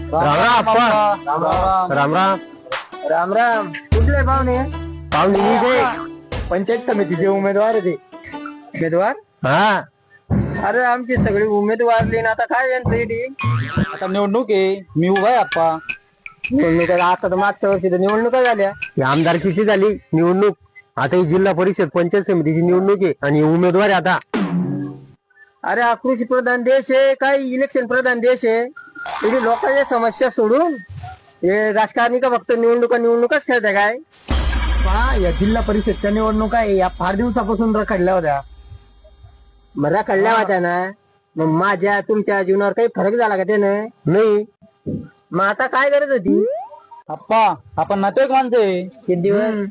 राम राम अप्पा. राम राम राम राम. राम राम. कुठले पाहुणे? पाहुणे मी ते पंचायत समितीचे उमेदवार आहे ते. उमेदवार? हा अरे आमचे सगळे उमेदवार आता काय यांचं इथे? आता निवडणूक आहे, मी उभा आहे आप्पा. निवडणूक आता तर मागच्या वर्षी तर निवडणुका झाल्या. ही आमदारकीची झाली निवडणूक. आता ही जिल्हा परिषद पंचायत समितीची निवडणूक आहे आणि उमेदवार आहे आता. अरे हा कृषी प्रधान देश आहे, काही इलेक्शन प्रधान देश आहे. इथे लोकांच्या समस्या सोडून हे राजकारणी का फक्त निवडणुकाच खेळताय काय? या जिल्हा परिषदच्या निवडणुका या फार दिवसापासून रखडल्या होत्या. मग रखडल्या होत्या ना, मग माझ्या तुमच्या जीवनावर काही फरक झाला का त्यानं? नाही. मग आता काय गरज होती? अप्पा आपण नातेवाईक माणसं आहे. किती दिवस?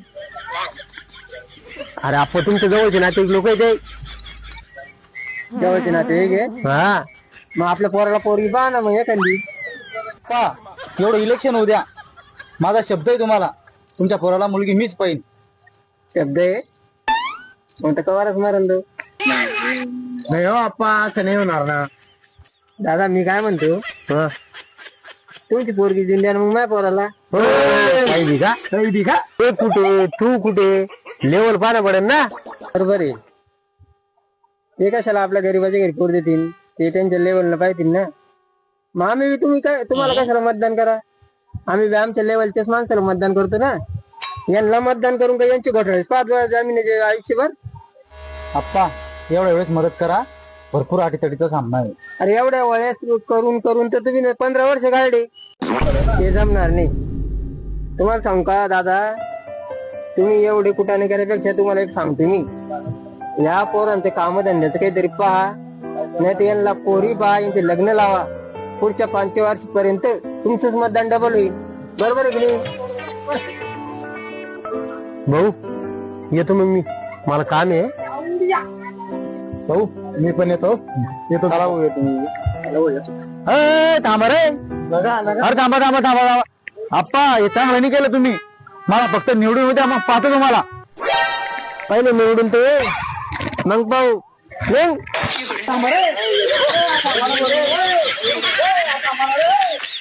अरे आपण तुमच्या जवळचे नाते लोक आहे ते. जवळचे नातेवाईक आहे. हा मग आपल्या पोराला पोरगी पहा ना मग एखादी. का एवढं इलेक्शन होऊ द्या, माझा शब्द आहे तुम्हाला, तुमच्या पोराला मुलगी मीच पाहिजे. शब्द आहे मग तर कवारच मारल तो. नाही हो अप्पा, असं नाही होणार ना. दादा मी काय म्हणतो, हा. तुमची पोरगी दिली आणि मग माझ्या पोराला काही बी का? काही बी का? ते कुठे तू कुठे लेवल पाहणं पडेल ना. बरोबर आहे. ते कशाला आपल्या गरीबाच्या घरी पोर देतील, ते त्यांच्या लेवलला पाहिजे ना. मग आम्ही बी तुम्हाला कशाला मतदान करा, आम्ही बी आमच्या लेवलच्याच माणसाला मतदान करतो ना. यांना मतदान करून का यांची घोटाळे 5 वेळा जामीन आयुष्यभर. अप्पा एवढ्या वेळेस मदत करा, भरपूर अटीतटीचा सामना आहे. अरे एवढ्या वेळेस करून तर तुम्ही 15 वर्ष काढले, ते जमणार नाही. तुम्हाला सांगू का दादा, तुम्ही एवढे कुठाने करण्यापेक्षा तुम्हाला एक सांगतो मी, या पोरांचे कामधंद्याचं काहीतरी पहा, नाही तर यांना पोरी पहा, यांचे लग्न लावा. पुढच्या 5 वर्षापर्यंत तुमचंच मतदान डबल होईल. बरोबर आहे की नाही? भाऊ येतो मग मी, मला काम आहे. भाऊ मी पण येतो. चला भाऊ, येतो मी. थांबा रे. अरे थांबा. अप्पा हे चांगलं नाही केलं तुम्ही. मला फक्त निवडून होत्या, मग पाहतो तुम्हाला. पहिले निवडून तो ये, मग पाहू. थांबा रे.